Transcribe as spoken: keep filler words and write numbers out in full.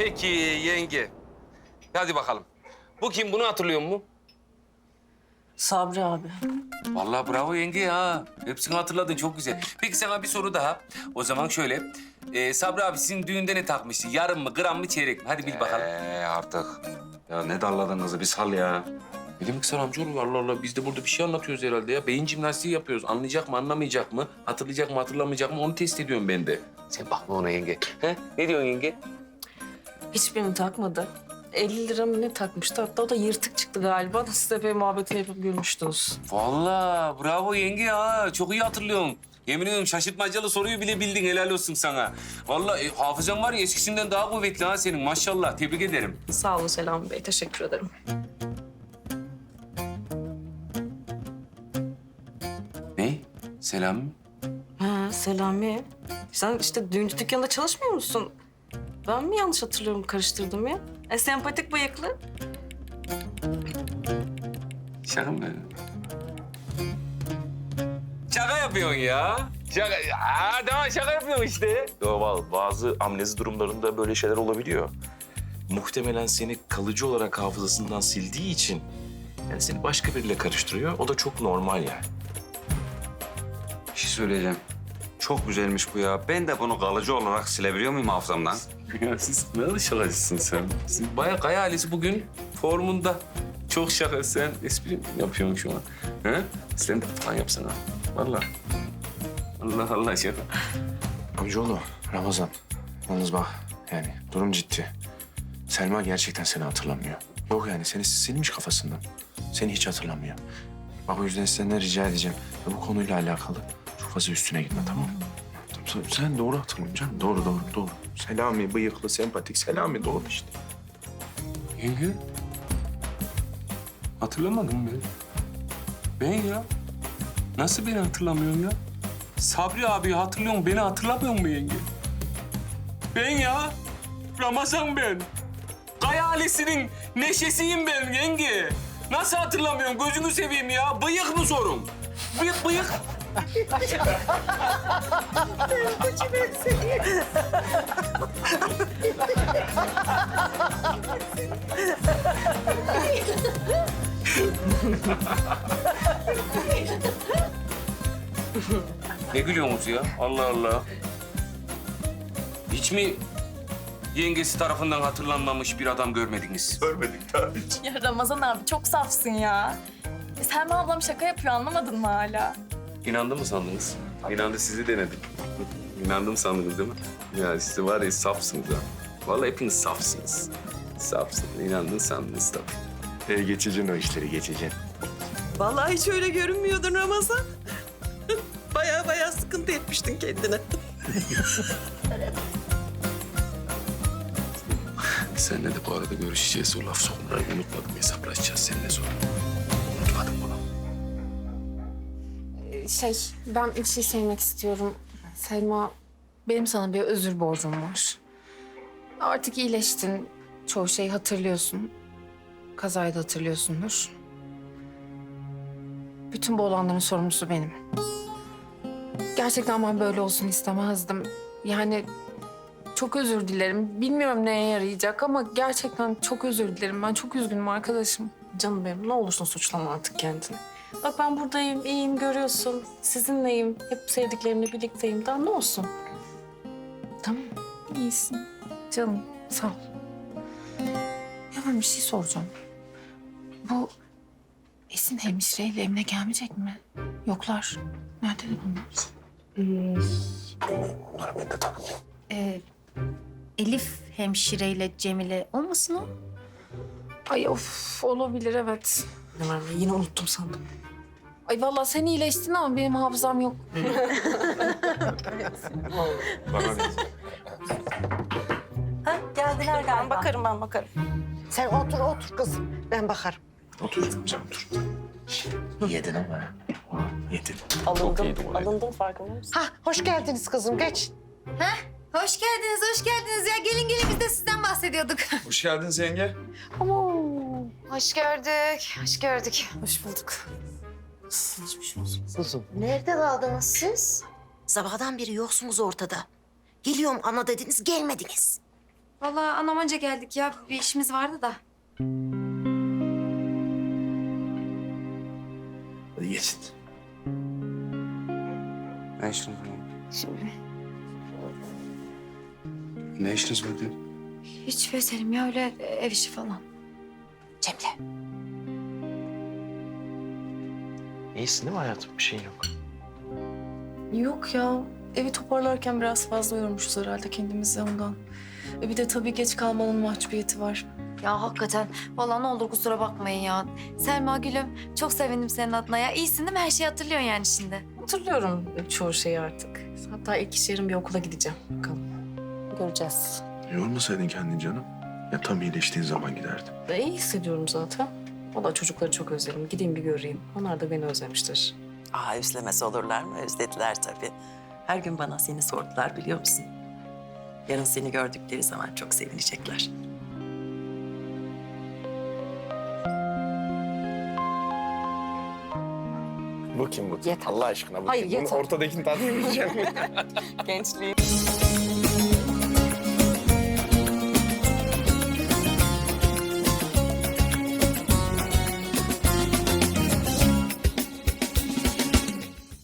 Peki yenge. Hadi bakalım. Bu kim? Bunu hatırlıyor musun? Sabri abi. Vallahi bravo yenge ya. Hepsini hatırladın. Çok güzel. Peki sana bir soru daha. O zaman şöyle. Ee, Sabri abi sizin düğünde ne takmıştı? Yarım mı, gram mı, çeyrek mi? Hadi bil bakalım. Ee artık. Ya ne darladın kızı bir sal ya. Ne demek sen amcaoğlu? Allah Allah. Biz de burada bir şey anlatıyoruz herhalde ya. Beyin jimnastiği yapıyoruz. Anlayacak mı, anlamayacak mı? Hatırlayacak mı, hatırlamayacak mı? Onu test ediyorum ben de. Sen bakma ona yenge. He? Ne diyorsun yenge? Hiçbirini takmadı. elli lira mı ne takmıştı? Hatta o da yırtık çıktı galiba. Siz de epey muhabbetini yapıp gülmüştünüz. Vallahi bravo yenge ya. Çok iyi hatırlıyorum. Yemin ediyorum şaşırtmacalı soruyu bile bildin. Helal olsun sana. Vallahi e, hafızan var ya eskisinden daha kuvvetli ha senin. Maşallah. Tebrik ederim. Sağ olun Selami Bey. Teşekkür ederim. Ne? Selam. Ha Selami. Sen işte düğüncü dükkanında çalışmıyor musun? Ben mi yanlış hatırlıyorum, karıştırdım ya? E, sempatik bıyıklı. Şaka mı? Şaka yapıyorsun ya. Şaka. Aa, tamam şaka yapıyorsun işte. Doğal, bazı amnezi durumlarında böyle şeyler olabiliyor. Muhtemelen seni kalıcı olarak hafızasından sildiği için yani seni başka biriyle karıştırıyor. O da çok normal yani. Bir şey söyleyeceğim. Çok güzelmiş bu ya. Ben de bunu kalıcı olarak silebiliyor muyum hafızamdan? Ya siz ne alışılasısın sen? Siz bayağı Kaya ailesi bugün formunda. Çok şaka. Sen espri mi yapıyorsun şu an? He? Sen de falan yapsana. Vallahi. Allah Allah şaka. Amcaoğlu, Ramazan. Yalnız bak yani durum ciddi. Selma gerçekten seni hatırlamıyor. Yok yani seni silmiş kafasından. Seni hiç hatırlamıyor. Bak o yüzden senden rica edeceğim. Ya bu konuyla alakalı çok fazla üstüne gitme tamam mı? Sen, sen doğru hatırlıyorsun canım. Doğru doğru doğru. Selami bıyıklı, sempatik Selami doğru işte. Yenge. Hatırlamadın mı? Ben ya. Nasıl beni hatırlamıyorsun ya? Sabri abi hatırlıyorsun, beni hatırlamıyor musun yenge? Ben ya. Ramazan ben. Kaya ailesinin neşesiyim ben yenge. Nasıl hatırlamıyorsun? Gözünü seveyim ya. Bıyık mı sorun? Bıyık, bıyık. Ne gülüyorsunuz ya? Allah Allah. Hiç mi yengesi tarafından hatırlanmamış bir adam görmediniz? Görmedik daha hiç. Ya Ramazan abi çok safsın ya. E, Selma ablam şaka yapıyor, anlamadın mı hala? İnandı mı sandınız? İnandı, sizi denedim. İnandım sandınız değil mi? Ya siz var ya safsınız ha. Vallahi hepiniz safsınız. Safsınız. İnandın sandınız tabii. E, geçeceksin o işleri geçeceksin. Vallahi hiç öyle görünmüyordun Ramazan. Baya baya sıkıntı etmiştin kendine. Seninle de bu arada görüşeceğiz. O laf sokmayı unutmadım. Hesaplaşacağız seninle sonra. Unutmadım bunu. Şey, ben bir şey söylemek istiyorum. Selma, benim sana bir özür borcum var. Artık iyileştin. Çoğu şeyi hatırlıyorsun. Kazayı da hatırlıyorsundur. Bütün bu olanların sorumlusu benim. Gerçekten ben böyle olsun istemezdim. Yani çok özür dilerim. Bilmiyorum neye yarayacak ama gerçekten çok özür dilerim. Ben çok üzgünüm arkadaşım. Canım benim, ne olursun suçlama artık kendini. Bak ben buradayım, iyiyim, görüyorsun. Sizinleyim, hep sevdiklerimle birlikteyim. Daha ne olsun? Tamam, iyisin. Canım, sağ ol. Ya ben bir şey soracağım. Bu Esin hemşireyle Emine gelmeyecek mi? Yoklar. Nerede bunlar? Onları ben de tanımıyorum. Ee, Elif hemşireyle Cemile olmasın o? Ay of, olabilir evet. Ne var be, yine unuttum sandım. Ay vallahi sen iyileştin ama benim hafızam yok. Ha, geldiler galiba. Ben bakarım, ben bakarım. Sen otur otur kızım. Ben bakarım. Otur canım otur. Yedin ama. Yedin. Alındım, alındım farkında mısın? Ha hoş geldiniz kızım geç. Hoş geldiniz, hoş geldiniz ya. Gelin gelin biz de sizden bahsediyorduk. Hoş geldiniz yenge. Hoş gördük, hoş gördük. Hoş bulduk. Geçmiş olsun. Kızım. Nerede kaldınız siz? Sabahdan beri yoksunuz ortada. Geliyorum ana dediniz, gelmediniz. Vallahi anam önce geldik ya. Bir işimiz vardı da. Hadi geçin. Ne işiniz var? Şimdi Ne işiniz var diyor? hiç be Selim ya öyle ev işi falan. Cemile. İyisin değil mi hayatım? Bir şeyin yok. Yok ya. Evi toparlarken biraz fazla yormuşuz herhalde kendimizi ondan. E bir de tabii geç kalmanın mahcubiyeti var. Ya hakikaten vallahi ne olur kusura bakmayın ya. Selma gülüm çok sevindim senin adına ya. İyisin değil mi? Her şeyi hatırlıyorsun yani şimdi. Hatırlıyorum çoğu şeyi artık. Hatta ilk iş yerim bir okula gideceğim. Bakalım. Göreceğiz. Yormasaydın kendini canım. Ya tam iyileştiğin zaman giderdim. Ve iyi hissediyorum zaten. Valla çocukları çok özledim. Gideyim bir göreyim. Onlar da beni özlemiştir. Aa özlemez olurlar mı? Özlediler tabii. Her gün bana seni sordular biliyor musun? Yarın seni gördükleri zaman çok sevinecekler. Bu kim bu? Yeter. Allah aşkına bu Hayır, kim? Bunun yeter. ortadakini tanıyamayacağım. Gençliğim.